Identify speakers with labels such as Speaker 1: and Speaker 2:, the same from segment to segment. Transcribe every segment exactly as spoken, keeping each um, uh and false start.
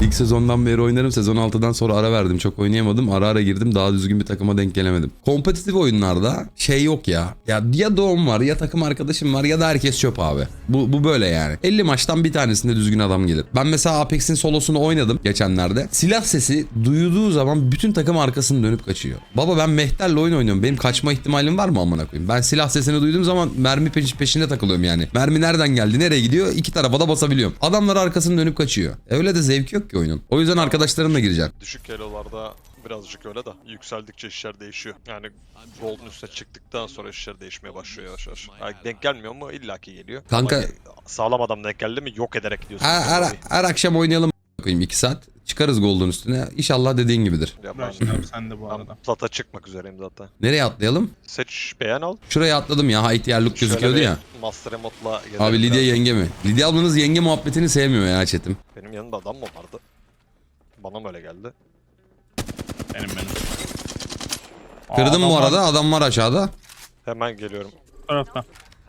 Speaker 1: İlk sezondan beri oynarım. Sezon altıdan sonra ara verdim. Çok oynayamadım. Ara ara girdim. Daha düzgün bir takıma denk gelemedim. Kompetitif oyunlarda şey yok ya. Ya ya doğum var ya takım arkadaşım var ya da herkes çöp abi. Bu, bu böyle yani. elli maçtan bir tanesinde düzgün adam gelir. Ben mesela Apex'in solosunu oynadım geçenlerde. Silah sesi duyduğu zaman bütün takım arkasını dönüp kaçıyor. Baba ben Mehter'le oyun oynuyorum. Benim kaçma ihtimalim var mı amına koyayım? Ben silah sesini duyduğum zaman mermi peş peşinde takılıyorum yani. Mermi nereden geldi, nereye gidiyor? İki tarafa da basabiliyorum. Adamlar arkasını dönüp kaçıyor. Öyle de zevk yok ki oyunun. O yüzden arkadaşlarımla gireceğim.
Speaker 2: Düşük elolarda birazcık öyle de yükseldikçe işler değişiyor. Yani Gold'un üstüne çıktıktan sonra işler değişmeye başlıyor yavaş yavaş. Yani denk gelmiyor mu? İllaki geliyor.
Speaker 1: Kanka-
Speaker 2: Ama sağlam adam denk geldi mi yok ederek gidiyorsun.
Speaker 1: Her, her, her akşam oynayalım koyayım iki saat. Çıkarız Gold'un üstüne. İnşallah dediğin gibidir.
Speaker 2: Ya ben,
Speaker 3: Başlıyorum sen de bu
Speaker 2: ben
Speaker 3: arada.
Speaker 2: plata çıkmak üzereyim zaten.
Speaker 1: Nereye atlayalım?
Speaker 2: Seç beğen al.
Speaker 1: Şuraya atladım ya. Ihtiyar look gözüküyordu
Speaker 2: Şöyle bir
Speaker 1: ya.
Speaker 2: Master Remote'la gezelim
Speaker 1: Abi Lidya
Speaker 2: biraz.
Speaker 1: yenge mi? Lidya ablanız yenge muhabbetini sevmiyor ya chatim.
Speaker 2: Benim yanımda adam mı vardı? Bana mı öyle geldi?
Speaker 3: Benim benim.
Speaker 1: Kırdım
Speaker 3: Aa,
Speaker 1: bu
Speaker 3: adam
Speaker 1: arada.
Speaker 3: var
Speaker 1: Adam var aşağıda.
Speaker 2: Hemen geliyorum.
Speaker 3: bu tarafta.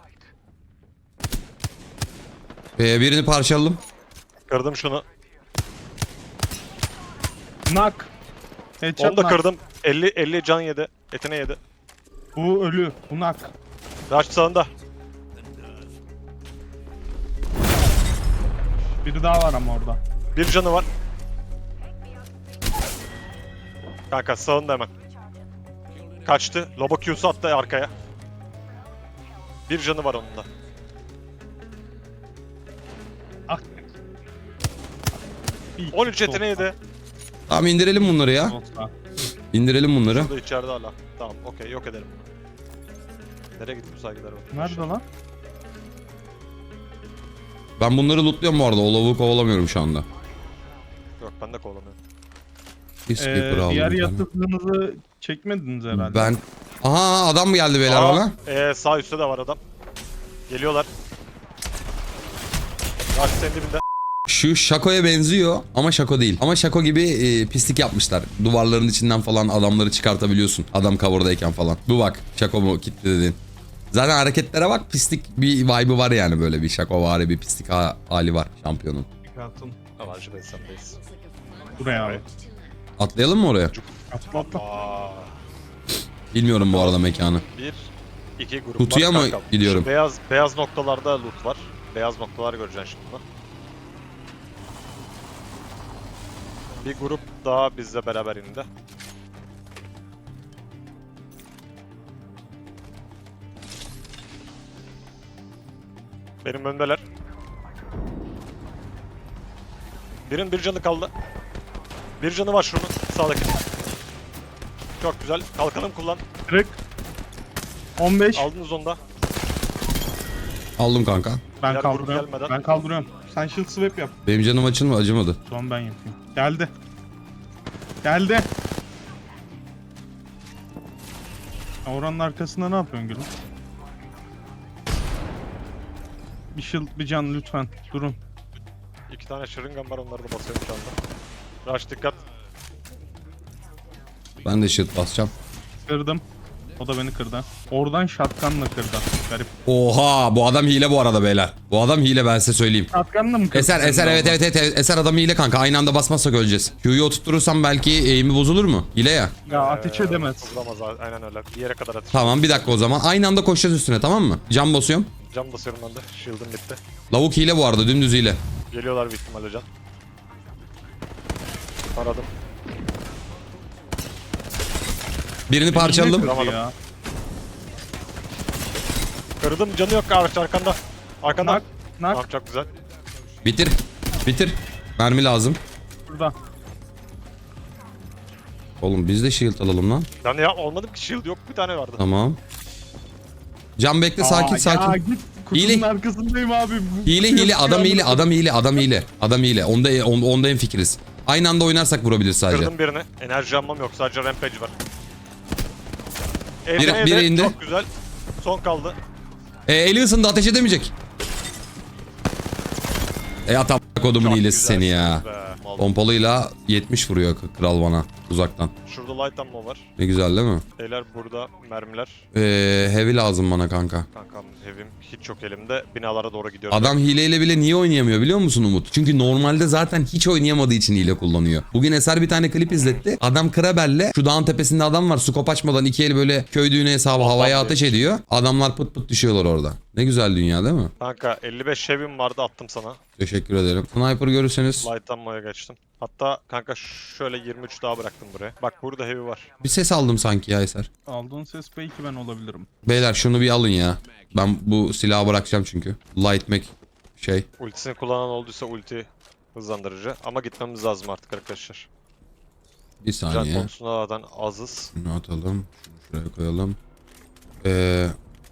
Speaker 1: Ee, birini parçaladım.
Speaker 2: Kırdım şunu.
Speaker 3: Nak. Headshot
Speaker 2: Onu da
Speaker 3: nak.
Speaker 2: kırdım. elli elli can yedi. Etine yedi.
Speaker 3: Bu ölü. Bu nak.
Speaker 2: Rush sağında.
Speaker 3: Biri daha var ama orada.
Speaker 2: Bir canı var. Kanka sağında hemen. Kaçtı. Lobo Q'su attı arkaya. Bir canı var onun da.
Speaker 3: Ah. Bir
Speaker 2: on üç
Speaker 3: iki
Speaker 2: etine yedi.
Speaker 1: Tamam indirelim bunları ya.
Speaker 3: olsa.
Speaker 1: İndirelim bunları.
Speaker 2: Şurada içeride hala. Tamam okey yok edelim bunu. Nereye gitti bu saygılar bak.
Speaker 3: Nerede lan?
Speaker 1: Ben bunları lootluyorum bu arada. O lavuğu kovalamıyorum şu anda.
Speaker 2: Yok ben de kovalamıyorum.
Speaker 1: Bir
Speaker 3: Ee,
Speaker 1: skipper aldım.
Speaker 3: diğer
Speaker 1: bir tane.
Speaker 3: yatırdığınızı çekmediniz herhalde.
Speaker 1: Ben... Aha adam mı geldi beyler
Speaker 2: Aa,
Speaker 1: bana?
Speaker 2: ee, sağ üstte de var adam. Geliyorlar. Rush senin dibinde.
Speaker 1: Şu Shaco'ya benziyor ama Shaco değil. Ama Shaco gibi e, pislik yapmışlar. Duvarların içinden falan adamları çıkartabiliyorsun. Adam cover'dayken falan. Bu bak Shaco mu kitle dedin. Zaten hareketlere bak pislik bir vibe'ı var yani böyle bir Shaco vari bir pislik ha- hali var şampiyonun.
Speaker 3: Atın.
Speaker 2: Avancı Beysen'deyiz.
Speaker 3: Buraya abi.
Speaker 1: Atlayalım mı oraya?
Speaker 3: Atla atla.
Speaker 2: Aa,
Speaker 1: Bilmiyorum bu arada mekanı.
Speaker 2: bir, iki grup
Speaker 1: Kutuya
Speaker 2: var
Speaker 1: mı
Speaker 2: kanka.
Speaker 1: gidiyorum?
Speaker 2: Şu beyaz, beyaz noktalarda loot var. Beyaz noktalar göreceksin şimdi. Bir grup daha bizle beraber indi. Benim öndeler. Birinin bir canı kaldı. Bir canı var şunun sağdaki. Çok güzel. Kalkanım kullan.
Speaker 3: Kırık. on beş.
Speaker 2: Aldınız onu da.
Speaker 1: Aldım kanka.
Speaker 3: Ben
Speaker 2: Diğer grup
Speaker 3: kaldırıyorum.
Speaker 2: gelmeden.
Speaker 3: Ben kaldırıyorum. Sen shield swap yap.
Speaker 1: Benim canım açılma acımadı.
Speaker 3: Son ben yapayım. Geldi. Geldi. Oranın arkasında ne yapıyorsun gülüm? Bir shield bir can lütfen. Durun.
Speaker 2: İki tane şırıngan var, onları da basıyorum şu anda. Rush dikkat.
Speaker 1: Ben de shield basacağım.
Speaker 3: Kırdım. O da beni kırdı. Oradan shotgunla kırdı. Garip.
Speaker 1: Oha bu adam hile bu arada beyler. Bu adam hile ben size söyleyeyim.
Speaker 3: Shotgunla mı kırdı?
Speaker 1: Eser
Speaker 3: seni
Speaker 1: Eser
Speaker 3: de
Speaker 1: evet
Speaker 3: oradan?
Speaker 1: evet evet Eser adam hile kanka. Aynı anda basmazsak öleceğiz. Q'yu oturtursam belki eğimi bozulur mu? Hile ya.
Speaker 3: Ya ateş edemez.
Speaker 2: Vuramaz a- aynen öyle. Bir yere kadar atış.
Speaker 1: Tamam bir dakika o zaman. Aynı anda koşacağız üstüne tamam mı? Cam basıyorum.
Speaker 2: Cam basıyorum ben de. Shield'ım bitti.
Speaker 1: Lavuk hile bu arada dümdüz hile.
Speaker 2: Geliyorlar büyük ihtimalle can. Aradım.
Speaker 1: Birini parçaladım.
Speaker 3: Kırdı
Speaker 2: Vuramadım.
Speaker 3: ya.
Speaker 2: Kırdım, canı yok kardeş arkanda. Arkanda.
Speaker 3: Nak. Nak.
Speaker 2: Tamam çok güzel.
Speaker 1: Bitir. Bitir. Mermi lazım.
Speaker 3: Burada.
Speaker 1: Oğlum biz de shield alalım lan.
Speaker 2: Ben ya olmadım ki, shield yok, bir tane vardı.
Speaker 1: Tamam. Cam bekle sakin
Speaker 3: Aa,
Speaker 1: sakin.
Speaker 3: Ya git kutunun
Speaker 1: Hile.
Speaker 3: arkasındayım abi. Bu-
Speaker 1: Hile
Speaker 3: bu-
Speaker 1: hile adam hile adam hile adam hile. Adam hile. Onda onda, onda en fikiriz. Aynı anda oynarsak vurabilir sadece.
Speaker 2: Kırdım birini. Enerji almam yok, sadece rampage var.
Speaker 1: Biri-
Speaker 2: Evde,
Speaker 1: biri
Speaker 2: evde.
Speaker 1: indi.
Speaker 2: Çok güzel. Son kaldı.
Speaker 1: E, eli ısındı ateş edemeyecek. E atam kodumun
Speaker 2: Çok
Speaker 1: hilesi seni ya.
Speaker 2: güzelsiniz be. Mal.
Speaker 1: Pompalıyla yetmiş vuruyor kral bana uzaktan.
Speaker 2: Şurada burada light ammo var.
Speaker 1: Ne güzel değil mi?
Speaker 2: Beyler burada mermiler.
Speaker 1: Ee, heavy lazım bana kanka.
Speaker 2: Kankam evim hiç yok elimde. Binalara doğru gidiyorum.
Speaker 1: Adam hileyle bile niye oynayamıyor biliyor musun Umut? Çünkü normalde zaten hiç oynayamadığı için hile kullanıyor. Bugün Eser bir tane klip izletti. Adam Krabel'le şu dağın tepesinde adam var. Skop açmadan iki eli böyle köy düğünü hesabı havaya
Speaker 2: Adam
Speaker 1: ateş
Speaker 2: demiş.
Speaker 1: ediyor. Adamlar pıt pıt düşüyorlar orada. Ne güzel dünya değil mi?
Speaker 2: Kanka elli beş evim vardı attım sana.
Speaker 1: Teşekkür ederim. Sniper görürseniz
Speaker 2: Light ammo'ya geçtim. Hatta kanka şöyle yirmi üç daha bıraktım buraya. Bak burada heavy var.
Speaker 1: bir ses aldım sanki ya Eser.
Speaker 3: Aldığın ses belki ben olabilirim.
Speaker 1: Beyler şunu bir alın ya. Ben bu silahı bırakacağım çünkü. Light Mac şey.
Speaker 2: Ultisini kullanan olduysa ulti hızlandırıcı. Ama gitmemiz lazım artık arkadaşlar.
Speaker 1: Bir
Speaker 2: Can
Speaker 1: saniye.
Speaker 2: konusunda zaten azız.
Speaker 1: Şunu atalım. Şunu şuraya koyalım. Ee,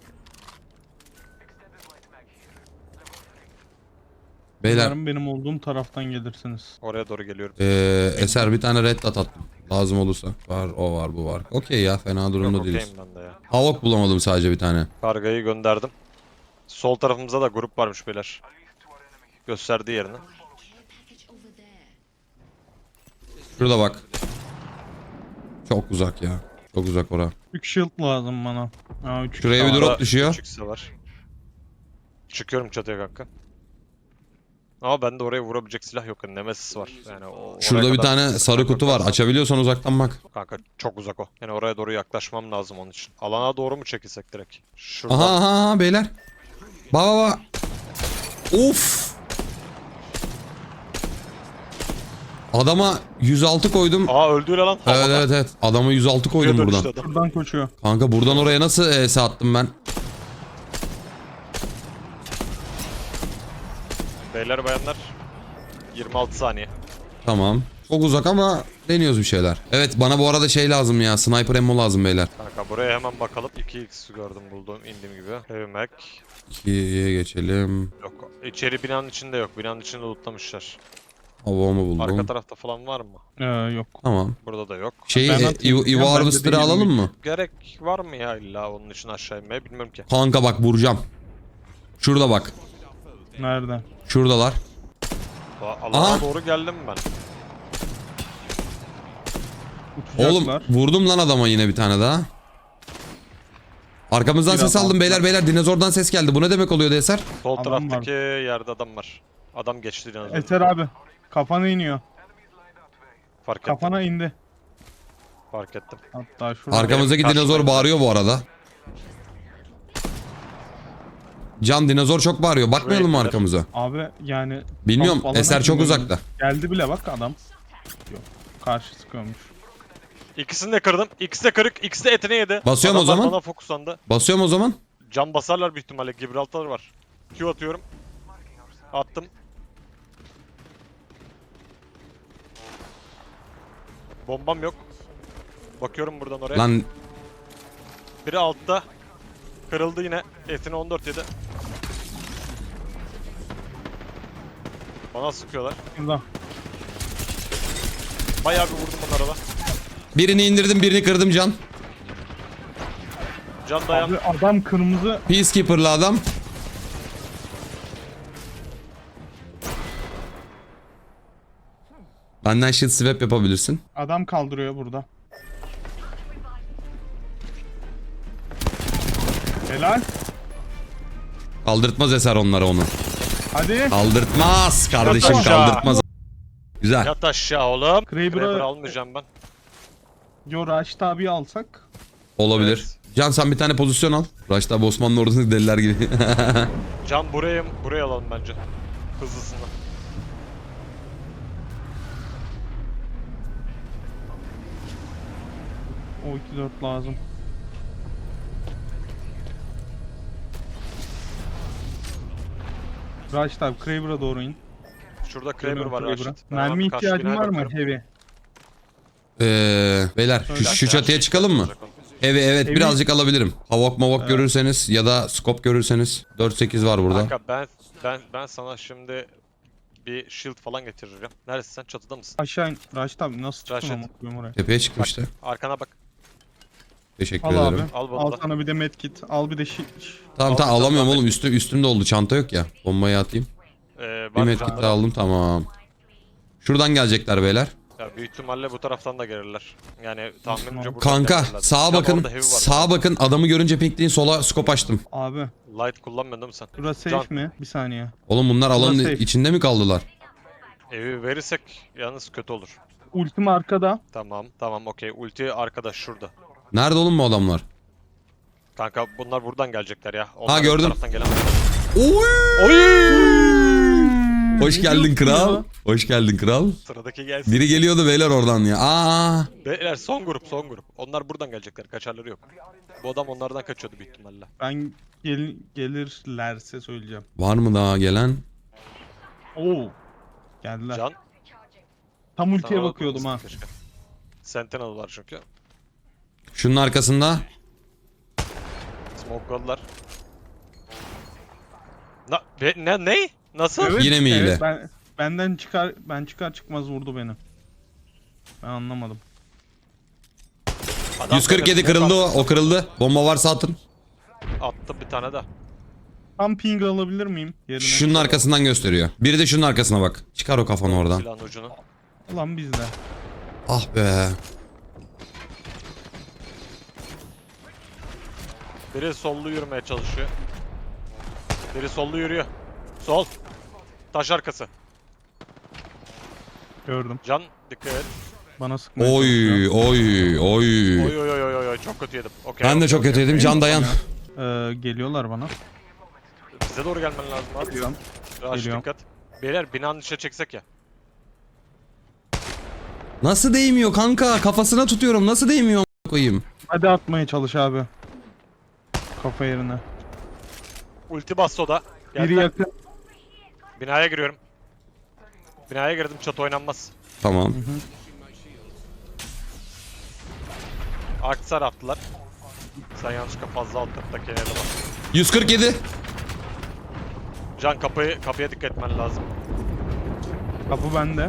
Speaker 1: Beyler
Speaker 3: Umarım benim olduğum taraftan gelirsiniz.
Speaker 2: Oraya doğru geliyorum.
Speaker 1: ee, Eser bir tane red dot attım. Lazım olursa. Var o var bu var. Okey ya fena durumda
Speaker 2: Yok
Speaker 1: değiliz.
Speaker 2: okeyim ben de ya.
Speaker 1: Havok bulamadım sadece bir tane.
Speaker 2: Kargayı gönderdim. Sol tarafımızda da grup varmış beyler. Gösterdiği yerini.
Speaker 1: Şurada bak. Çok uzak ya. Çok uzak ora.
Speaker 3: üç shield lazım bana. Aa, üç
Speaker 1: Şuraya bir
Speaker 3: shield.
Speaker 1: drop
Speaker 2: Sağda
Speaker 1: düşüyor.
Speaker 2: üç x'e var. Çıkıyorum çatıya kanka. Ama bende oraya vurabilecek silah yok. Nemesis var. Yani o, oraya
Speaker 1: Şurada bir
Speaker 2: kadar
Speaker 1: tane
Speaker 2: sıkıntı
Speaker 1: sarı kutu var.
Speaker 2: yaparsam-
Speaker 1: Açabiliyorsan uzaktan bak.
Speaker 2: Kanka çok uzak o. Yani oraya doğru yaklaşmam lazım onun için. Alana doğru mu çekilsek direkt? Şuradan.
Speaker 1: Aha aha aha beyler. Bak bak bak. Of. Adama yüz altı koydum.
Speaker 2: Aa öldü lan.
Speaker 1: Evet
Speaker 2: Havada.
Speaker 1: evet evet. Adama yüz altı koydum
Speaker 2: Suya
Speaker 1: buradan.
Speaker 2: dönüştü adam.
Speaker 3: Buradan koşuyor.
Speaker 1: Kanka buradan oraya nasıl E S attım ben?
Speaker 2: Beyler bayanlar. yirmi altı saniye.
Speaker 1: Tamam. Çok uzak ama deniyoruz bir şeyler. Evet bana bu arada şey lazım ya. Sniper ammo lazım beyler.
Speaker 2: Kanka buraya hemen bakalım. iki x gördüm buldum indiğim gibi. Heavy Mac.
Speaker 1: ikiye geçelim.
Speaker 2: Yok. İçeri binanın içinde yok. Binanın içinde lootlamışlar.
Speaker 1: Havamı buldum.
Speaker 2: Arka tarafta falan var mı?
Speaker 3: Ee, yok.
Speaker 1: Tamam.
Speaker 2: Burada da yok.
Speaker 1: Şeyi
Speaker 3: Ben
Speaker 1: e,
Speaker 3: atayım.
Speaker 1: Evo-
Speaker 3: Ya
Speaker 1: Evo
Speaker 3: bende
Speaker 1: Harvester'ı
Speaker 3: değil
Speaker 1: alalım
Speaker 3: mi?
Speaker 1: mı?
Speaker 2: Gerek var mı ya illa onun için aşağı inmeye bilmiyorum ki.
Speaker 1: Kanka bak vuracağım. Şurada bak.
Speaker 3: Nerede?
Speaker 1: Şuradalar.
Speaker 2: Aa, Alana
Speaker 1: Aha.
Speaker 2: doğru geldim ben.
Speaker 1: Oğlum
Speaker 3: Uçacaklar.
Speaker 1: vurdum lan adama yine bir tane daha. Arkamızdan
Speaker 3: Biraz
Speaker 1: ses aldım
Speaker 3: altta.
Speaker 1: beyler beyler dinozordan ses geldi. Bu ne demek oluyordu Eser?
Speaker 2: Sol
Speaker 3: Adam
Speaker 2: taraftaki yerde adam var. Adam geçti dinozor.
Speaker 3: Eser abi. Kafana iniyor.
Speaker 2: Fark ettim.
Speaker 3: Kafana indi.
Speaker 2: Fark ettim.
Speaker 3: Hatta şurada.
Speaker 1: Arkamızdaki
Speaker 2: Benim
Speaker 1: dinozor
Speaker 2: karşıma-
Speaker 1: bağırıyor bu arada. Can dinozor çok bağırıyor. Bakmayalım mı
Speaker 2: Buraya
Speaker 1: arkamıza?
Speaker 3: Abi yani.
Speaker 1: Bilmiyorum.
Speaker 3: kamp alana
Speaker 1: Eser çok
Speaker 3: girmemiz-
Speaker 1: uzakta.
Speaker 3: Geldi bile bak adam. Yok. Karşı sıkıyormuş.
Speaker 2: İkisini de kırdım. İkisi de kırık. İkisi de etini yedi.
Speaker 1: Basıyorum o
Speaker 2: Adamlar
Speaker 1: zaman.
Speaker 2: bana fokuslandı.
Speaker 1: Basıyorum o zaman.
Speaker 2: Cam basarlar büyük ihtimalle. Gibraltar var. Q atıyorum. Attım. Bombam yok. Bakıyorum buradan oraya.
Speaker 1: Lan
Speaker 2: Biri altta. Kırıldı yine. Etini on dört yedi. Bana sıkıyorlar.
Speaker 3: Burada.
Speaker 2: Bayağı bir vurdum onlara da.
Speaker 1: birini indirdim birini kırdım Can.
Speaker 2: Can dayan.
Speaker 3: Abi adam kırmızı.
Speaker 1: Peacekeeper'lı adam. Benden shield swap yapabilirsin.
Speaker 3: Adam kaldırıyor burada. Helal.
Speaker 1: Kaldırtmaz Eser onlara onu.
Speaker 3: Hadi.
Speaker 1: Kaldırtmaz kardeşim
Speaker 2: Yat aşağı.
Speaker 1: kaldırtmaz. Güzel.
Speaker 2: Yat aşağı oğlum.
Speaker 3: Kraber'ı-
Speaker 2: Kraber almayacağım ben.
Speaker 3: Yo Raşit abi alsak.
Speaker 1: Olabilir.
Speaker 2: Evet.
Speaker 1: Can sen bir tane pozisyon al. Raşit abi Osmanlı ordusunu deliler gibi.
Speaker 2: Can buraya buraya alalım bence. Hızlısından.
Speaker 3: O iki dört lazım. Raşit abi Kraber'a doğru in.
Speaker 2: Şurada Kraber
Speaker 3: Dönüyorum
Speaker 2: var
Speaker 3: Kraber'a.
Speaker 2: Raşit. Ben hemen
Speaker 3: Mermi
Speaker 2: karşı
Speaker 3: ihtiyacın
Speaker 2: binaya
Speaker 3: var mı
Speaker 2: bakıyorum.
Speaker 3: heavy?
Speaker 1: Ee, beyler şu, şu çatıya çıkalım mı? Evet evet
Speaker 3: Evi-
Speaker 1: birazcık alabilirim. Havok mavok görürseniz ya da scope görürseniz dört sekiz var burada.
Speaker 2: Kanka ben ben ben sana şimdi bir shield falan getireceğim. Neredesin sen? Çatıda mısın?
Speaker 3: Aşağı in. Raşit abi nasıl çıktın
Speaker 2: Raşit.
Speaker 3: ama koyayım oraya.
Speaker 1: Tepeye çıktım işte.
Speaker 2: Arkana bak.
Speaker 1: Teşekkür
Speaker 3: Al abi.
Speaker 1: ederim.
Speaker 2: Al bunu
Speaker 3: Al
Speaker 2: da.
Speaker 3: sana bir de medkit. Al bir de şi...
Speaker 1: Tamam
Speaker 2: Al,
Speaker 1: tamam
Speaker 2: al,
Speaker 1: alamıyorum
Speaker 2: al.
Speaker 1: oğlum üstüm üstümde oldu çanta yok ya. Bombayı atayım.
Speaker 2: Ee,
Speaker 1: Bir
Speaker 2: var
Speaker 1: medkit
Speaker 2: canları.
Speaker 1: daha aldım tamam. Şuradan gelecekler beyler.
Speaker 2: Ya büyük ihtimalle bu taraftan da gelirler. Yani tahminimce buradan
Speaker 1: Kanka
Speaker 2: gelirler.
Speaker 1: sağa
Speaker 2: Can,
Speaker 1: bakın.
Speaker 2: orada heavy var.
Speaker 1: Sağa bakın. Adamı görünce pinkleyin, sola scope açtım.
Speaker 3: Abi
Speaker 2: Light kullanmıyordun değil mi sen?
Speaker 3: burası
Speaker 2: Can.
Speaker 3: safe mi? Bir saniye.
Speaker 1: Oğlum bunlar alanın
Speaker 3: safe.
Speaker 1: içinde mi kaldılar?
Speaker 2: Evi verirsek yalnız kötü olur.
Speaker 3: Ultim arkada.
Speaker 2: Tamam tamam okey. Ulti arkadaş şurada.
Speaker 1: Nerede oğlum bu adamlar?
Speaker 2: Kanka bunlar buradan gelecekler ya. Onlar bu
Speaker 1: gördüm.
Speaker 2: taraftan gelemez.
Speaker 1: Oy!
Speaker 2: Oy!
Speaker 1: Hoş
Speaker 3: Ne
Speaker 1: geldin
Speaker 3: diyorsun
Speaker 1: kral.
Speaker 3: ya?
Speaker 1: Hoş geldin kral.
Speaker 2: Sıradaki gelsin.
Speaker 1: Biri geliyordu beyler oradan ya. Aa!
Speaker 2: Beyler son grup son grup. Onlar buradan gelecekler. Kaçarları yok. Bu adam onlardan kaçıyordu büyük ihtimalle.
Speaker 3: Ben gel gelirlerse söyleyeceğim.
Speaker 1: Var mı daha gelen?
Speaker 3: Oo. Geldiler.
Speaker 2: Can.
Speaker 3: Tam ultiye
Speaker 2: sana
Speaker 3: bakıyordum ha.
Speaker 2: keşke. Sentinel var çünkü.
Speaker 1: Şunun arkasında.
Speaker 2: Smokeladılar. Na, be, ne ne? Nasıl?
Speaker 3: Evet,
Speaker 1: Yine mi hile?
Speaker 3: evet, ben, benden çıkar ben çıkar çıkmaz vurdu beni. Ben anlamadım.
Speaker 2: Adam
Speaker 1: yüz kırk yedi
Speaker 2: böyle
Speaker 1: kırıldı o.
Speaker 2: smoke
Speaker 1: O kırıldı. Bomba varsa atın.
Speaker 2: Attı bir tane de.
Speaker 3: Tam ping alabilir miyim yerine?
Speaker 1: Şunun arkasından gösteriyor. Biri de şunun arkasına bak. Çıkar o kafanı oradan.
Speaker 2: Silahın ucunu.
Speaker 3: Ulan bizde.
Speaker 1: Ah be.
Speaker 2: Biri sollu yürümeye çalışıyor. Biri sollu yürüyor. Sol. Taş arkası.
Speaker 3: Gördüm.
Speaker 2: Can dikkat et.
Speaker 3: Bana sıkmaya
Speaker 1: Oy
Speaker 3: çalışıyor.
Speaker 1: oy oy.
Speaker 2: Oy oy oy oy oy çok kötü yedim. Okey.
Speaker 1: Ben de
Speaker 2: okey,
Speaker 1: çok
Speaker 2: okey.
Speaker 1: kötü yedim. Can dayan.
Speaker 3: Ee, geliyorlar bana.
Speaker 2: Bize doğru gelmen lazım abi.
Speaker 3: Geliyorum.
Speaker 2: Raş
Speaker 3: Geliyorum.
Speaker 2: dikkat. Beyler binanın içine çeksek ya.
Speaker 1: Nasıl değmiyor kanka? Kafasına tutuyorum. Nasıl değmiyor a**ına koyayım?
Speaker 3: Hadi atmaya çalış abi. Kafa yerine.
Speaker 2: Ulti bas soda.
Speaker 3: Biri
Speaker 2: Geldiler.
Speaker 3: yakın.
Speaker 2: Binaya giriyorum. Binaya girdim çatı oynanmaz.
Speaker 1: Tamam.
Speaker 2: Aksar attılar. Sen yanlışlıkla fazla alt kattaki yere bak.
Speaker 1: yüz kırk yedi.
Speaker 2: Can kapıyı kapıya dikkat etmen lazım.
Speaker 3: Kapı bende.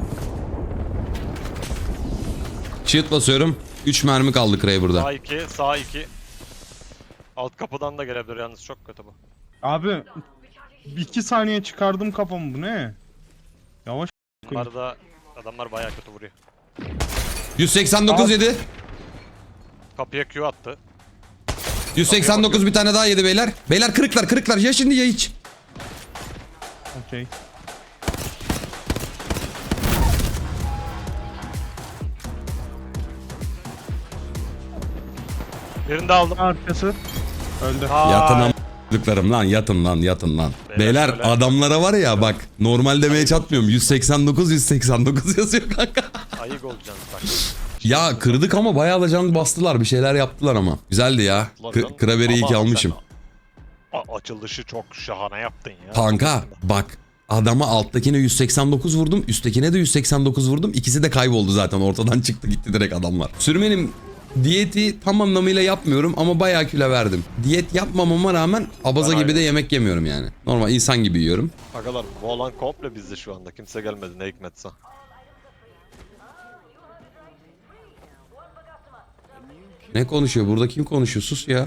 Speaker 1: Shield basıyorum. üç mermi kaldı Kraber'da.
Speaker 2: Sağ iki, sağ iki. Alt kapıdan da gelebilir yalnız çok kötü bu.
Speaker 3: Abi iki saniye çıkardım kafamı, bu ne? Yavaş.
Speaker 2: Bunlar da adamlar bayağı kötü vuruyor.
Speaker 1: yüz seksen dokuz
Speaker 3: Abi.
Speaker 1: yedi.
Speaker 2: Kapıya Q attı.
Speaker 1: yüz seksen dokuz bir tane daha yedi beyler. Beyler kırıklar kırıklar. Ya şimdi ya hiç.
Speaker 3: Okey.
Speaker 2: Birini de aldım.
Speaker 3: Arkası. Öldü.
Speaker 1: Yatın
Speaker 2: Ay,
Speaker 1: am***lıklarım lan yatın lan yatın lan.
Speaker 2: Beyler
Speaker 1: Beyler
Speaker 2: şöyle-
Speaker 1: adamlara var ya bak normal demeye çatmıyorum. yüz seksen dokuz yüz seksen dokuz yazıyor kanka.
Speaker 2: ayık olacaksınız bak.
Speaker 1: Ya kırdık ama bayağı da can bastılar. Bir şeyler yaptılar ama. Güzeldi ya. K- Kraber'i iyi ki
Speaker 2: Ama
Speaker 1: almışım.
Speaker 2: sen a- açılışı çok şahane yaptın ya.
Speaker 1: Kanka bak adama alttakine yüz seksen dokuz vurdum. Üsttekine de yüz seksen dokuz vurdum. İkisi de kayboldu zaten. Ortadan çıktı gitti direkt adamlar. Sürmenin diyeti tam anlamıyla yapmıyorum ama bayağı kilo verdim. Diyet yapmamama rağmen abaza
Speaker 2: Ben
Speaker 1: gibi de
Speaker 2: aynı.
Speaker 1: yemek yemiyorum yani. Normal insan gibi yiyorum.
Speaker 2: Agalar bu alan komple bizde şu anda. Kimse gelmedi ne hikmetse.
Speaker 1: Ne konuşuyor? Burada kim konuşuyor? Sus ya.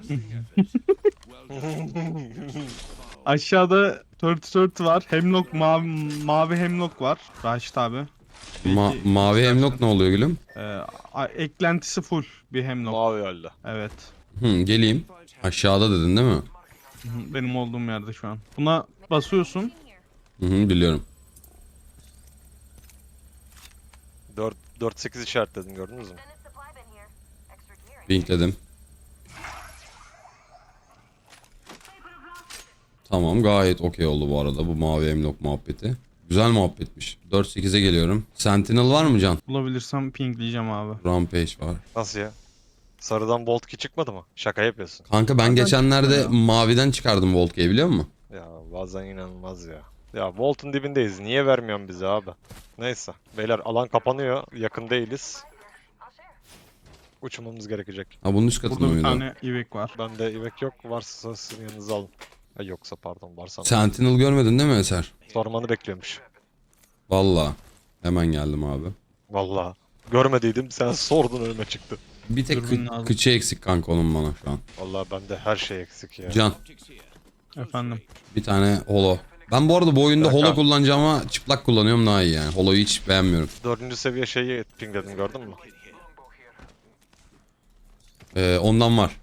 Speaker 3: Aşağıda dört dört var. Hemlock mavi, mavi hemlock var. Raşit abi.
Speaker 1: Ma-
Speaker 3: Peki,
Speaker 1: mavi hemlock ne oluyor gülüm?
Speaker 3: Ee, a- eklentisi full bir hemlock.
Speaker 2: Mavi halde.
Speaker 3: Evet.
Speaker 1: Hı, geleyim. Aşağıda dedin değil mi?
Speaker 3: Hı hı, benim olduğum yerde şu an. Buna basıyorsun.
Speaker 1: Hı hı, biliyorum.
Speaker 2: dört dört sekiz işaretledim gördünüz mü?
Speaker 1: Linkledim. Tamam gayet okey oldu bu arada bu mavi hemlock muhabbeti. Güzel muhabbetmiş. dört sekize geliyorum. Sentinel var mı Can?
Speaker 3: Bulabilirsem pingleyeceğim abi.
Speaker 1: Rampage var.
Speaker 2: Nasıl ya? Sarıdan Bolt iki çıkmadı mı? Şaka yapıyorsun.
Speaker 1: Kanka ben geçenlerde
Speaker 3: çıktı
Speaker 1: maviden çıkardım Volt'u biliyor musun?
Speaker 2: Ya bazen inanılmaz ya. Ya Volt'un dibindeyiz. Niye vermiyorsun bize abi? Neyse. Beyler alan kapanıyor. Yakın değiliz. Uçmamız gerekecek.
Speaker 1: Ha bunun üst katında
Speaker 3: Burada bir
Speaker 1: mıydı?
Speaker 3: tane ivek var.
Speaker 2: Bende ivek yok. Varsa sizin yanınıza alın. Ha, yoksa pardon varsa.
Speaker 1: Sentinel görmedin değil mi Eser?
Speaker 2: Sormanı bekliyormuş.
Speaker 1: Valla. Hemen geldim abi.
Speaker 2: Vallahi. Görmediydim sen sordun önüme çıktı.
Speaker 1: Bir tek
Speaker 3: Dürbün
Speaker 1: kı-
Speaker 3: lazım.
Speaker 1: kıçı eksik kanka onun bana şu an.
Speaker 2: Vallahi bende her şey eksik ya.
Speaker 1: Can
Speaker 3: Efendim.
Speaker 1: bir tane holo. Ben bu arada bu oyunda
Speaker 2: Kanka.
Speaker 1: holo kullanacağıma çıplak kullanıyorum daha iyi yani. Holo'yu hiç beğenmiyorum.
Speaker 2: Dördüncü seviye şeyi pingledim gördün mü?
Speaker 1: Ee, ondan var.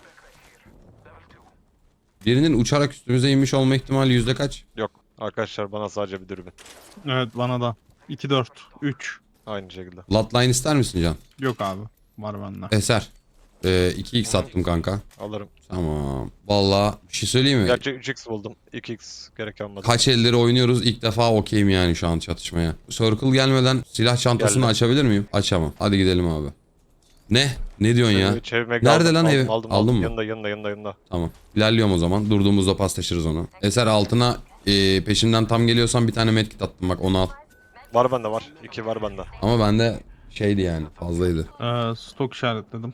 Speaker 1: Birinin uçarak üstümüze inmiş olma ihtimali yüzde kaç?
Speaker 2: Yok. Arkadaşlar bana sadece bir dürbün.
Speaker 3: Evet bana da. iki dört üç.
Speaker 2: Aynı şekilde.
Speaker 1: Bloodline ister misin Can?
Speaker 3: Yok abi. Var bende.
Speaker 1: Eser. Ee, iki x attım kanka.
Speaker 2: Alırım.
Speaker 1: Tamam. Vallahi bir şey söyleyeyim mi?
Speaker 2: Gerçi üç x buldum. iki x gerek olmadı.
Speaker 1: Kaç elleri oynuyoruz ilk defa okeyim yani şu an çatışmaya. Circle gelmeden silah çantasını
Speaker 2: Geldi.
Speaker 1: açabilir miyim? Açamam. Hadi gidelim abi. Ne? Ne diyorsun ya?
Speaker 2: Çevirme- çevirmek
Speaker 1: Nerede
Speaker 2: aldım,
Speaker 1: lan
Speaker 2: aldım,
Speaker 1: ev?
Speaker 2: Aldım,
Speaker 1: Aldın
Speaker 2: aldım.
Speaker 1: mı?
Speaker 2: Yanında yanında yanında yanında.
Speaker 1: Tamam. İlerliyorum o zaman. Durduğumuzda paslaşırız onu. Eser altına e, peşimden tam geliyorsan bir tane medkit attım bak onu al.
Speaker 2: Var bende var. iki var bende.
Speaker 1: Ama bende şeydi yani fazlaydı.
Speaker 3: Ee, stok işaretledim.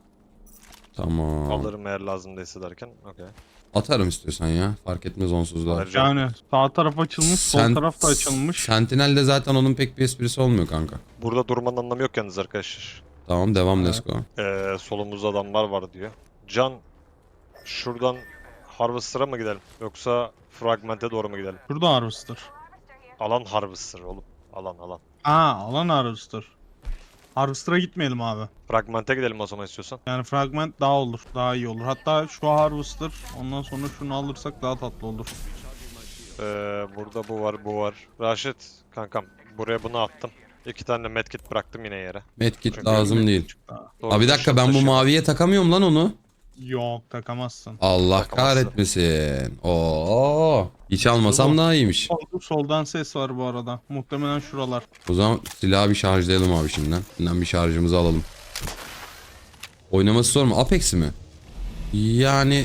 Speaker 1: Tamam.
Speaker 2: Alırım eğer lazım değilse derken. Okey.
Speaker 1: Atarım istiyorsan ya. Fark etmez onsuzda.
Speaker 2: Alacağım.
Speaker 3: Yani sağ taraf açılmış, sol
Speaker 1: Sen-
Speaker 3: taraf da açılmış.
Speaker 1: Sentinel'de zaten onun pek bir esprisi olmuyor kanka.
Speaker 2: Burada durmanın anlamı yok yalnız arkadaşlar.
Speaker 1: Tamam devam let's go.
Speaker 2: Ee, solumuzda adamlar var diyor. Can şuradan Harvester'a mı gidelim? Yoksa Fragment'e doğru mu gidelim?
Speaker 3: Şurada Harvester.
Speaker 2: Alan Harvester oğlum. Alan alan.
Speaker 3: Aa, alan Harvester. Harvester'a gitmeyelim abi.
Speaker 2: Fragment'e gidelim o zaman istiyorsan.
Speaker 3: Yani fragment daha olur, daha iyi olur. Hatta şu Harvester, ondan sonra şunu alırsak daha tatlı olur.
Speaker 2: Ee, burada bu var bu var. Raşit kankam buraya bunu attım. İki tane medkit bıraktım yine yere.
Speaker 1: Medkit
Speaker 2: Çünkü
Speaker 1: lazım değil.
Speaker 3: Daha.
Speaker 2: Doğru
Speaker 1: Abi bir dakika ben bu
Speaker 2: taşıyorum.
Speaker 1: maviye takamıyorum lan onu.
Speaker 3: Yok, takamazsın.
Speaker 1: Allah
Speaker 2: Takamazsın.
Speaker 1: kahretmesin. Oo. Hiç almasam daha iyiymiş.
Speaker 3: Solda- Soldan ses var bu arada. Muhtemelen şuralar.
Speaker 1: O zaman silahı bir şarjlayalım abi şimdiden. Şimdiden bir şarjımızı alalım. Oynaması zor mu? Apex mi? Yani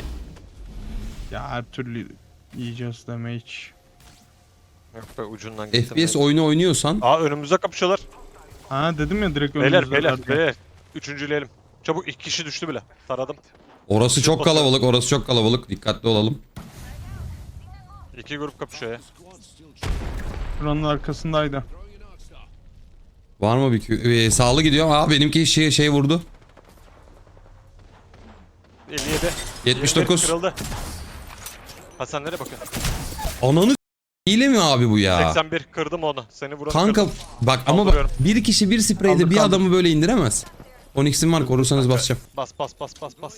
Speaker 3: Ya her türlü yiyeceğiz damage.
Speaker 2: Yok be ucundan gittim.
Speaker 1: F P S
Speaker 2: ben.
Speaker 1: oyunu oynuyorsan
Speaker 2: Aa önümüzde kapışıyorlar.
Speaker 3: Ha dedim ya direkt
Speaker 2: Beyler
Speaker 3: önümüzde
Speaker 2: beyler
Speaker 3: zaten.
Speaker 2: beyler. Üçüncüleyelim. Çabuk iki kişi düştü bile. Taradım.
Speaker 1: orası
Speaker 2: Shield
Speaker 1: çok
Speaker 2: basıyor.
Speaker 1: kalabalık, orası çok kalabalık. Dikkatli olalım.
Speaker 2: İki grup kapışıyor ya.
Speaker 3: Şuranın arkasındaydı.
Speaker 1: Var mı bir kü- ee, sağlı gidiyor. Aa benimki şey şey vurdu.
Speaker 2: elli yedi.
Speaker 1: yetmiş
Speaker 2: yirmi bir
Speaker 1: dokuz.
Speaker 2: kırıldı. Hasan nereye bakıyorsun?
Speaker 1: Ananı s- hile mi abi bu ya?
Speaker 2: seksen bir kırdım onu. Seni vuran
Speaker 1: Kanka
Speaker 2: kırdım.
Speaker 1: bak ama bak
Speaker 2: Kaldırıyorum.
Speaker 1: bir kişi bir spreyde
Speaker 3: Kaldır,
Speaker 1: bir
Speaker 3: kaldır.
Speaker 1: adamı böyle indiremez. on x'im var korursanız basacağım.
Speaker 2: Bas bas bas bas bas.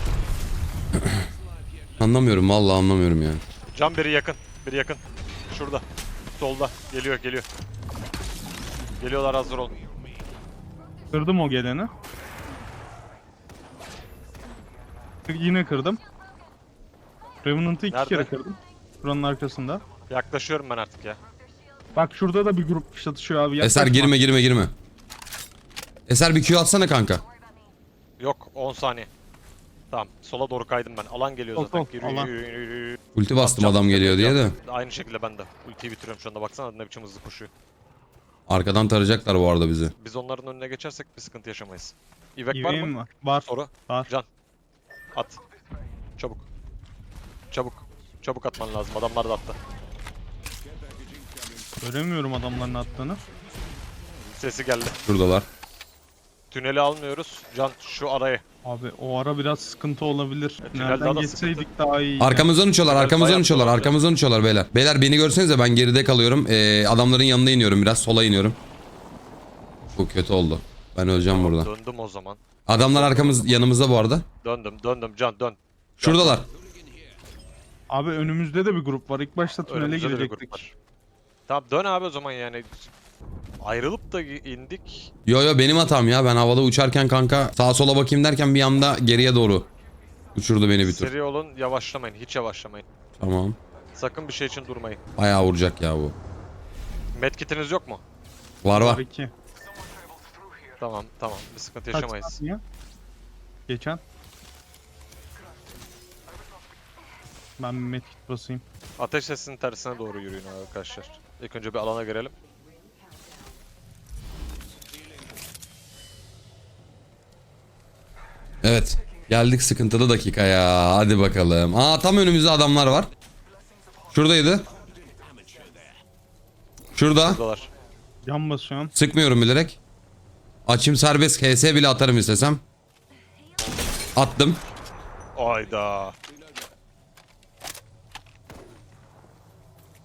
Speaker 1: Anlamıyorum vallahi anlamıyorum yani.
Speaker 2: Can biri yakın. Biri yakın. Şurada. Solda. Geliyor geliyor. Geliyorlar hazır olun.
Speaker 3: Kırdım o geleni. Yine kırdım. Revenant'ı iki
Speaker 2: Nerede?
Speaker 3: kere kırdım. Şuranın arkasında.
Speaker 2: Yaklaşıyorum ben artık ya.
Speaker 3: Bak şurada da bir grup çatışıyor abi.
Speaker 1: Eser
Speaker 3: yaklaşma.
Speaker 1: girme girme girme. Eser bir Q atsana kanka.
Speaker 2: Yok on saniye. Tamam sola doğru kaydım ben. Alan geliyor
Speaker 3: Sol,
Speaker 2: zaten.
Speaker 3: sol,
Speaker 2: Yürü,
Speaker 3: alan.
Speaker 2: yürü, yürü, yürü.
Speaker 1: Ulti bastım
Speaker 2: Atacağım,
Speaker 1: adam geliyor diye de.
Speaker 2: atacağım. Aynı şekilde ben de. Ultiyi bitiriyorum şu anda. Baksana ne biçim hızlı koşuyor.
Speaker 1: Arkadan tarayacaklar bu arada bizi.
Speaker 2: Biz onların önüne geçersek bir sıkıntı yaşamayız. İvek var
Speaker 3: İveğim
Speaker 2: mı?
Speaker 3: var. Var.
Speaker 2: Soru.
Speaker 3: Var.
Speaker 2: Can. At. Çabuk. Çabuk. Çabuk atman lazım. Adamlar da attı.
Speaker 3: Göremiyorum adamların attığını.
Speaker 2: Sesi geldi.
Speaker 1: Şuradalar.
Speaker 2: Tüneli almıyoruz. Can şu arayı.
Speaker 3: Abi o ara biraz sıkıntı olabilir.
Speaker 2: E, tünel daha
Speaker 3: Nereden
Speaker 2: da
Speaker 3: geçseydik daha iyi.
Speaker 1: Arkamızdan uçuyorlar,
Speaker 2: Biraz
Speaker 1: arkamızdan
Speaker 2: bayağı
Speaker 1: uçuyorlar,
Speaker 2: dolandı.
Speaker 1: arkamızdan uçuyorlar beyler. Beyler beni görsenize ben geride kalıyorum. Ee, adamların yanına iniyorum biraz, sola iniyorum. Bu kötü oldu. Ben öleceğim burada.
Speaker 2: Döndüm o zaman.
Speaker 1: Adamlar arkamız yanımızda bu arada.
Speaker 2: Döndüm döndüm Can dön.
Speaker 1: Şuradalar.
Speaker 3: Abi önümüzde de bir grup var. İlk başta tünele
Speaker 2: Önümüzde de bir grup
Speaker 3: girecektik.
Speaker 2: var. Tamam dön abi o zaman yani. Ayrılıp da indik.
Speaker 1: Yo yo benim hatam ya. Ben havada uçarken kanka sağa sola bakayım derken bir anda geriye doğru uçurdu beni bir tur.
Speaker 2: Seri olun yavaşlamayın. Hiç yavaşlamayın.
Speaker 1: Tamam.
Speaker 2: Sakın bir şey için durmayın.
Speaker 1: Bayağı vuracak ya bu.
Speaker 2: Medkitiniz yok mu?
Speaker 1: Var var.
Speaker 3: iki.
Speaker 2: Tamam tamam bir sıkıntı
Speaker 3: Kaç
Speaker 2: yaşamayız.
Speaker 3: saniye? Geçen. Ben bir medkit basayım.
Speaker 2: Ateş sesinin tersine doğru yürüyün arkadaşlar. İlk önce bir alana girelim.
Speaker 1: Evet. Geldik sıkıntılı dakikaya. Hadi bakalım. Aa tam önümüzde adamlar var. Şuradaydı. Şurada.
Speaker 2: Buradalar.
Speaker 3: Yan basıyorum.
Speaker 1: Sıkmıyorum bilerek. Açım serbest. H S bile atarım istesem. Attım.
Speaker 2: Ayda.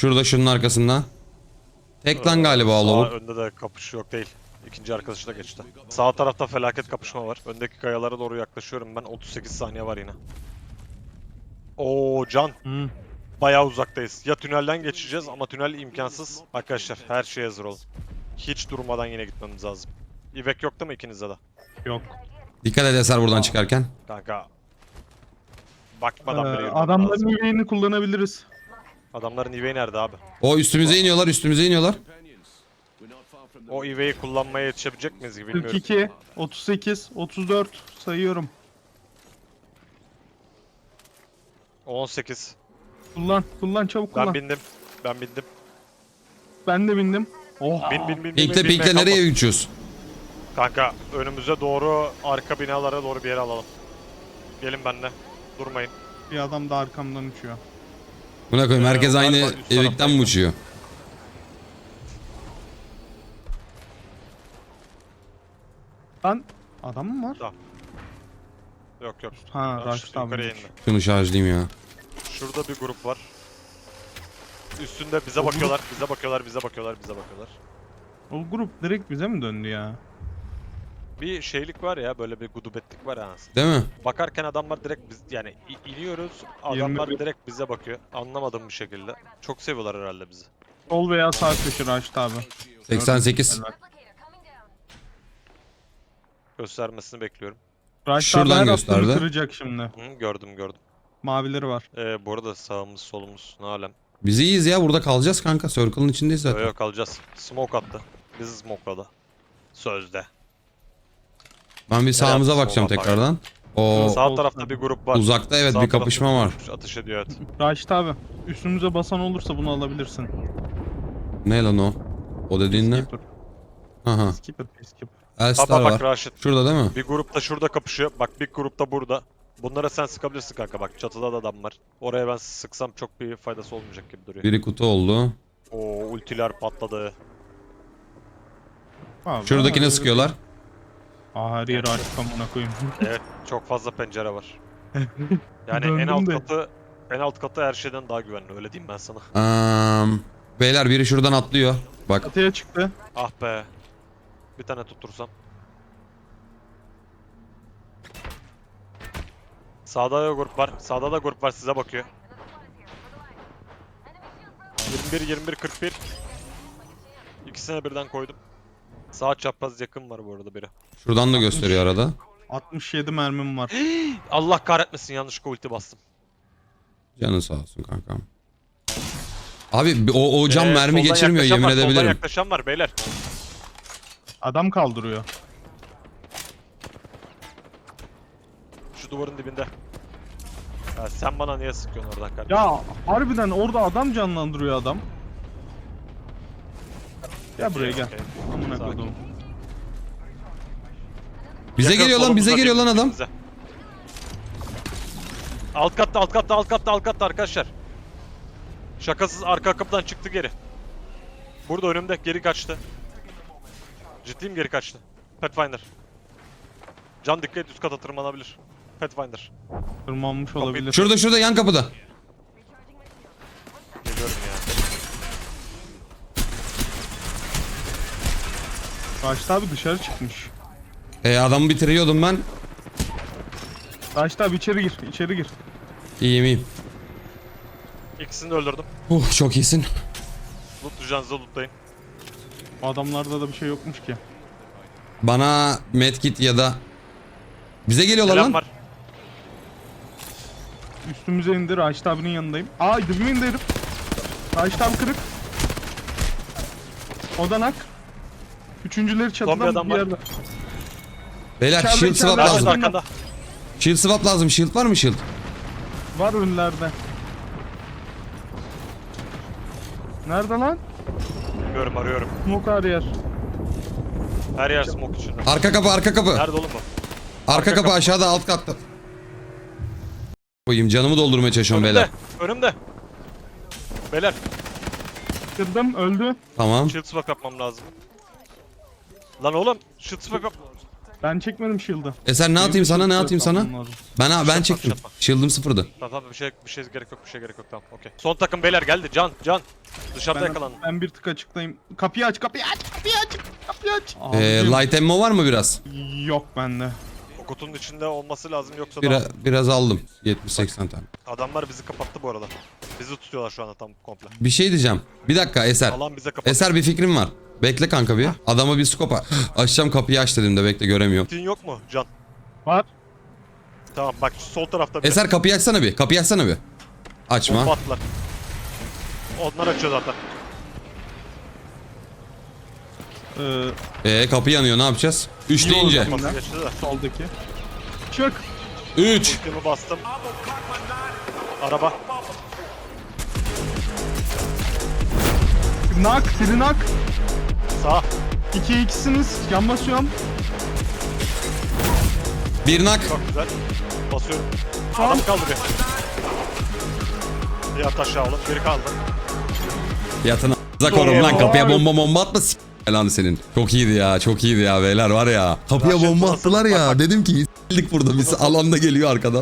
Speaker 1: Şurada şunun arkasında. Tek lan galiba o
Speaker 2: Sağ
Speaker 1: lavuk.
Speaker 2: önde de kapış yok değil. İkinci arkadaşı da geçti. Sağ tarafta felaket kapışma var. Öndeki kayalara doğru yaklaşıyorum ben. otuz sekiz saniye var yine. Oo Can.
Speaker 3: Hı.
Speaker 2: Bayağı uzaktayız. Ya tünelden geçeceğiz ama tünel imkansız. Arkadaşlar her şeye hazır olun. Hiç durmadan yine gitmemiz lazım. İvek yok değil mi ikinizde de?
Speaker 3: Yok.
Speaker 1: Dikkat et Eser buradan çıkarken.
Speaker 2: Kanka. Bakmadan bile
Speaker 3: Ee,
Speaker 2: yürümem
Speaker 3: adamların
Speaker 2: lazım.
Speaker 3: yüreğini kullanabiliriz.
Speaker 2: Adamların İveyi nerede abi?
Speaker 1: O üstümüze iniyorlar üstümüze iniyorlar.
Speaker 2: O İveyi kullanmaya yetişebilecek miyiz bilmiyorum.
Speaker 3: kırk iki, otuz sekiz, otuz dört sayıyorum.
Speaker 2: on sekiz.
Speaker 3: Kullan, kullan çabuk kullan.
Speaker 2: Ben
Speaker 3: Ben,
Speaker 2: bindim. Ben bindim.
Speaker 3: de bindim. Oh.
Speaker 2: Bin bin bin bin.
Speaker 1: Pinkle
Speaker 2: bin,
Speaker 1: pinkle
Speaker 2: bin,
Speaker 1: nereye
Speaker 2: kalma.
Speaker 1: uçuyoruz?
Speaker 2: Kanka önümüze doğru arka binalara doğru bir yere alalım. Gelin benimle. Durmayın.
Speaker 3: Bir adam da arkamdan uçuyor.
Speaker 1: Buna koyayım
Speaker 2: Ee,
Speaker 1: herkes aynı
Speaker 2: galiba üst
Speaker 1: evikten mi
Speaker 2: taraftaydı.
Speaker 1: uçuyor?
Speaker 3: Lan adam mı var?
Speaker 2: Yok yok.
Speaker 3: Ha,
Speaker 2: Ben
Speaker 3: Raşit
Speaker 2: şu yukarıya
Speaker 3: abi.
Speaker 2: indi.
Speaker 1: Şunu şarjlayayım ya.
Speaker 2: Şurada bir grup var. Üstünde bize bakıyorlar, bize bakıyorlar, bize bakıyorlar, bize bakıyorlar.
Speaker 3: O grup direkt bize mi döndü ya?
Speaker 2: Bir şeylik var ya, böyle bir gudubetlik var ha.
Speaker 1: Değil mi?
Speaker 2: Bakarken adamlar direkt biz yani i- iniyoruz, adamlar
Speaker 3: yirmi bir.
Speaker 2: direkt bize bakıyor. Anlamadığım bir şekilde. Çok seviyorlar herhalde bizi.
Speaker 3: Sol veya sağ köşe Raşit abi.
Speaker 1: seksen sekiz.
Speaker 3: Helal.
Speaker 2: Göstermesini bekliyorum.
Speaker 3: Raşit
Speaker 1: Şuradan
Speaker 3: abi her
Speaker 1: gösterdi.
Speaker 3: attığını kıracak şimdi.
Speaker 2: Hı, gördüm gördüm.
Speaker 3: Mavileri var.
Speaker 2: Ee, bu arada sağımız solumuz ne alem.
Speaker 1: Biz iyiyiz ya burada kalacağız kanka. Circle'ın içindeyiz
Speaker 2: Yok
Speaker 1: zaten.
Speaker 2: yok kalacağız. Smoke attı. Bizi smokeladı. Sözde.
Speaker 1: Ben bir sağımıza
Speaker 2: yaptı
Speaker 1: bakacağım
Speaker 2: sola bak.
Speaker 1: tekrardan. O
Speaker 2: Sağ
Speaker 3: sol
Speaker 2: tarafta
Speaker 3: tarafı.
Speaker 2: bir grup var.
Speaker 1: uzakta evet
Speaker 2: Sağ
Speaker 1: bir
Speaker 2: tarafta
Speaker 1: kapışma var.
Speaker 2: grup Atış ediyor evet.
Speaker 3: Raşit abi üstümüze basan olursa bunu alabilirsin.
Speaker 1: Ne lan o? O dediğin ne?
Speaker 3: Skipper.
Speaker 1: Aha.
Speaker 3: Skipper, skipper.
Speaker 1: Elstar
Speaker 2: Baba bak
Speaker 1: var.
Speaker 2: Raşit.
Speaker 1: Şurada değil mi?
Speaker 2: Bir grup da şurada kapışıyor. Bak bir grup da burada. Bunlara sen sıkabilirsin kanka bak. Çatıda da adam var. Oraya ben sıksam çok bir faydası olmayacak gibi duruyor.
Speaker 1: Biri kutu oldu.
Speaker 2: Oo ultiler patladı.
Speaker 3: Abi,
Speaker 1: Şuradakine
Speaker 3: abi.
Speaker 1: sıkıyorlar.
Speaker 3: Aa, her yeri açık amına koyayım.
Speaker 2: Evet çok fazla pencere var. Yani en
Speaker 3: Döndüm
Speaker 2: alt
Speaker 3: de.
Speaker 2: katı en alt katı her şeyden daha güvenli öyle diyeyim ben sana.
Speaker 1: Eee, beyler biri şuradan atlıyor. Bak
Speaker 3: Çatıya çıktı.
Speaker 2: Ah be. Bir tane tuttursam. Sağda da grup var. Sağda da grup var size bakıyor. yirmi bir yirmi bir kırk bir. İkisine birden koydum. Sağ çapraz yakın var bu arada biri.
Speaker 1: şuradan da gösteriyor arada.
Speaker 3: altmış yedi mermim var.
Speaker 2: Allah kahretmesin yanlışlıkla ulti bastım.
Speaker 1: Canın sağ olsun kankam. Abi o, o cam
Speaker 2: Ee,
Speaker 1: mermi
Speaker 2: soldan
Speaker 1: geçirmiyor
Speaker 2: yaklaşan
Speaker 1: yemin
Speaker 2: var, Soldan
Speaker 1: edebilirim.
Speaker 2: yaklaşan var beyler.
Speaker 3: Adam kaldırıyor.
Speaker 2: Şu duvarın dibinde. Ya sen bana niye sıkıyorsun oradan kardeşim?
Speaker 3: Ya harbiden orada adam canlandırıyor adam. Gel buraya gel.
Speaker 2: Okey.
Speaker 3: Amına
Speaker 2: Sakin.
Speaker 3: koydum.
Speaker 1: Bize
Speaker 2: Yakın
Speaker 1: geliyor lan bize
Speaker 2: solumuzda
Speaker 1: geliyor lan
Speaker 2: değil,
Speaker 1: adam.
Speaker 2: bize. Alt katta alt katta alt katta alt katta arkadaşlar. Şakasız arka kapıdan çıktı geri. Burada önümde geri kaçtı. Ciddiyim geri kaçtı. Pathfinder. Can dikkat et üst kata tırmanabilir. Pathfinder.
Speaker 3: Tırmanmış olabilir.
Speaker 1: Şurada şurada yan kapıda.
Speaker 2: Geliyorum ya.
Speaker 3: Raşit abi dışarı çıkmış.
Speaker 1: E, adamı bitiriyordum ben.
Speaker 3: Raşit abi içeri gir, içeri gir.
Speaker 1: İyiyim iyiyim.
Speaker 2: İkisini de öldürdüm.
Speaker 1: Uh, çok iyisin.
Speaker 2: Lootlayacağınızı lootlayın.
Speaker 3: Bu adamlarda da bir şey yokmuş ki.
Speaker 1: Bana medkit ya da... Bize geliyorlar
Speaker 2: Selam
Speaker 1: lan.
Speaker 2: var.
Speaker 3: Üstümüze indi, Raşit abinin yanındayım. Aa dibime indi herif. Raşit abi kırık. Odanak. Üçüncüleri
Speaker 2: Son bir
Speaker 3: çatıdan
Speaker 2: adam
Speaker 3: bir
Speaker 2: var.
Speaker 3: yerde.
Speaker 1: Beyler
Speaker 3: İçeride,
Speaker 1: shield
Speaker 3: içeride.
Speaker 1: swap
Speaker 3: Nerede?
Speaker 2: Raşit
Speaker 1: lazım.
Speaker 2: arkanda.
Speaker 1: Shield swap lazım. Shield var mı shield?
Speaker 3: Var önlerde. Nerede lan?
Speaker 2: Bilmiyorum arıyorum.
Speaker 3: Smoke her yer.
Speaker 2: Her yer smoke içinde.
Speaker 1: Arka kapı arka kapı.
Speaker 2: Nerede oğlum bu?
Speaker 1: Arka
Speaker 2: Arka
Speaker 1: kapı
Speaker 2: kapı.
Speaker 1: aşağıda alt katta. Koyayım canımı doldurmaya çalışıyorum
Speaker 2: Önümde.
Speaker 1: beyler.
Speaker 2: Önümde. Beyler.
Speaker 3: Kırdım, öldü.
Speaker 1: Tamam.
Speaker 2: Shield swap yapmam lazım. Lan oğlum. Shield swap yap.
Speaker 3: Ben çekmedim shield'ı.
Speaker 1: Eser ne atayım sana ne atayım sana?
Speaker 3: Lazım.
Speaker 1: Ben ben
Speaker 2: Şapma,
Speaker 1: çektim.
Speaker 2: şapma.
Speaker 1: Shield'ım sıfırdı.
Speaker 2: Tamam tamam bir şey bir şey gerek yok bir şey gerek yok tamam okey. Son takım beyler geldi can can. Dışarıda
Speaker 3: Ben,
Speaker 2: yakalandı.
Speaker 3: ben bir tık açıklayayım. Kapıyı aç, kapıyı aç, kapıyı aç, kapıyı aç.
Speaker 1: Ee,
Speaker 3: Abicim,
Speaker 1: light ammo var mı biraz?
Speaker 3: Yok bende.
Speaker 2: O kutunun içinde olması lazım yoksa
Speaker 1: Biraz,
Speaker 2: da
Speaker 1: biraz aldım. yetmiş seksen tane.
Speaker 2: adamlar bizi kapattı bu arada. Bizi tutuyorlar şu anda tam komple.
Speaker 1: Bir şey diyeceğim. Bir dakika Eser.
Speaker 2: Alan bize kapattı.
Speaker 1: Eser bir fikrim var. Bekle kanka bir. Adama bir skopa. Açacağım kapıyı aç dedim de bekle göremiyorum.
Speaker 2: Tin yok mu can?
Speaker 3: Var.
Speaker 2: Tamam bak şu sol tarafta bir
Speaker 1: Eser kapıyı açsana bir. Kapıyı açsana bir. Açma.
Speaker 2: bomba attılar. Onlar açıyor zaten.
Speaker 3: Ee,
Speaker 1: Ee kapı yanıyor ne yapacağız? üç
Speaker 3: İyi
Speaker 1: deyince.
Speaker 3: oldu.
Speaker 2: Nasıl geçti de.
Speaker 3: soldaki. Çık.
Speaker 1: üç.
Speaker 2: Ultimi bastım. Araba.
Speaker 3: Nak, biri nak.
Speaker 2: Sağ.
Speaker 3: İki ikisiniz. Yan basıyorum.
Speaker 1: Bir nak.
Speaker 2: Çok güzel. Basıyorum.
Speaker 3: Tamam.
Speaker 2: Adam kaldı bir. Bir at aşağı oğlum. Geri kaldı.
Speaker 1: Yatın a**za korum lan kapıya bomba bomba atma s*** lan senin. Çok iyiydi ya çok iyiydi ya beyler var ya. Kapıya
Speaker 2: Raşit
Speaker 1: bomba
Speaker 2: nasıl?
Speaker 1: attılar ya
Speaker 2: Bak, bak.
Speaker 1: dedim ki s**lik burada biz alanda geliyor arkadan.